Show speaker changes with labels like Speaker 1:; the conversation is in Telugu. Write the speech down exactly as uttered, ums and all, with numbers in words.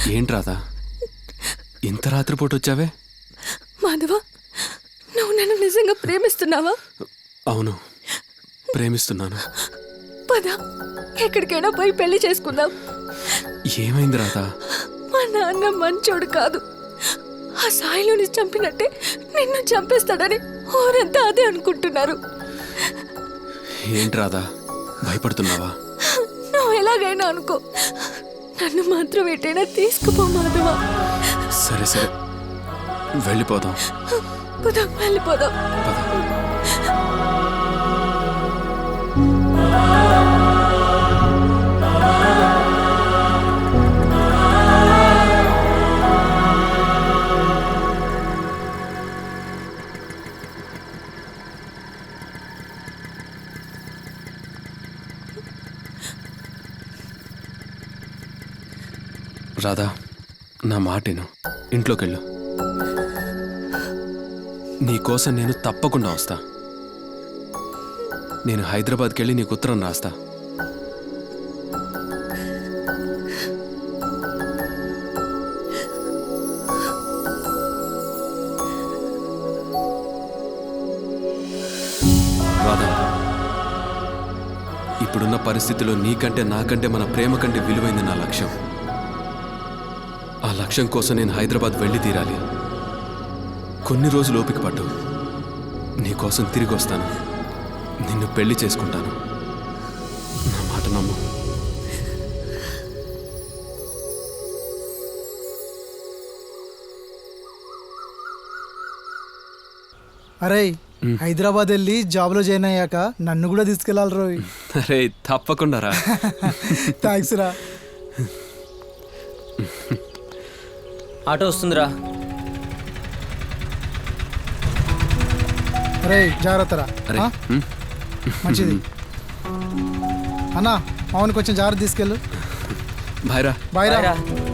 Speaker 1: ఏంటి రాధా ఇంత రాత్రిపూట వచ్చావే?
Speaker 2: మాధవ, నువ్వు నన్ను నిజంగా ప్రేమిస్తున్నావా?
Speaker 1: అవును, ప్రేమిస్తున్నాను.
Speaker 2: పద, ఎక్కడికైనా పోయి పెళ్లి చేసుకుందాం.
Speaker 1: ఏమైంది రాధా?
Speaker 2: మా నాన్న మంచోడు కాదు. ఆ సాయిలోని చంపినట్టే నిన్ను చంపేస్తాడని ఊరంతా అదే అనుకుంటున్నారు.
Speaker 1: ఏంటి రాధా, భయపడుతున్నావా?
Speaker 2: నువ్వు ఎలాగైనా అనుకో, నన్ను మాత్రం ఎటైనా తీసుకుపో మాధవ.
Speaker 1: సరే సరే, వెళ్ళిపోదాం.
Speaker 2: పద, వెళ్ళిపోదాం.
Speaker 1: పద. రాధా, నా మాటను ఇంట్లోకెళ్ళు. నీకోసం నేను తప్పకుండా వస్తా. నేను హైదరాబాద్కి వెళ్ళి నీకు ఉత్తరం రాస్తా. రాధా, ఇప్పుడున్న పరిస్థితిలో నీకంటే నాకంటే మన ప్రేమ కంటే విలువైంది నా లక్ష్యం. ఆ లక్ష్యం కోసం నేను హైదరాబాద్ వెళ్ళి తీరాలి. కొన్ని రోజులు ఓపిక పట్టు, నీకోసం తిరిగి వస్తాను. నిన్ను పెళ్లి చేసుకుంటాను. నా మాట నమ్ము.
Speaker 3: అరే, హైదరాబాద్ వెళ్ళి జాబ్లో జాయిన్ అయ్యాక నన్ను కూడా తీసుకెళ్ళాలి రోయ్.
Speaker 1: అరే తప్పకుండా రా.
Speaker 3: థ్యాంక్స్ రా.
Speaker 4: ఆటో వస్తుందిరా.
Speaker 3: అరే జాగ్రత్త రా.
Speaker 1: అరే
Speaker 3: ఆ?
Speaker 1: ఉమ్,
Speaker 3: మంచిది అన్నా. అవును, కొంచెం జాగ్రత్త తీసుకెళ్ళు.
Speaker 1: బాయ్ రా.
Speaker 3: బాయ్ రా.
Speaker 4: బాయ్ రా.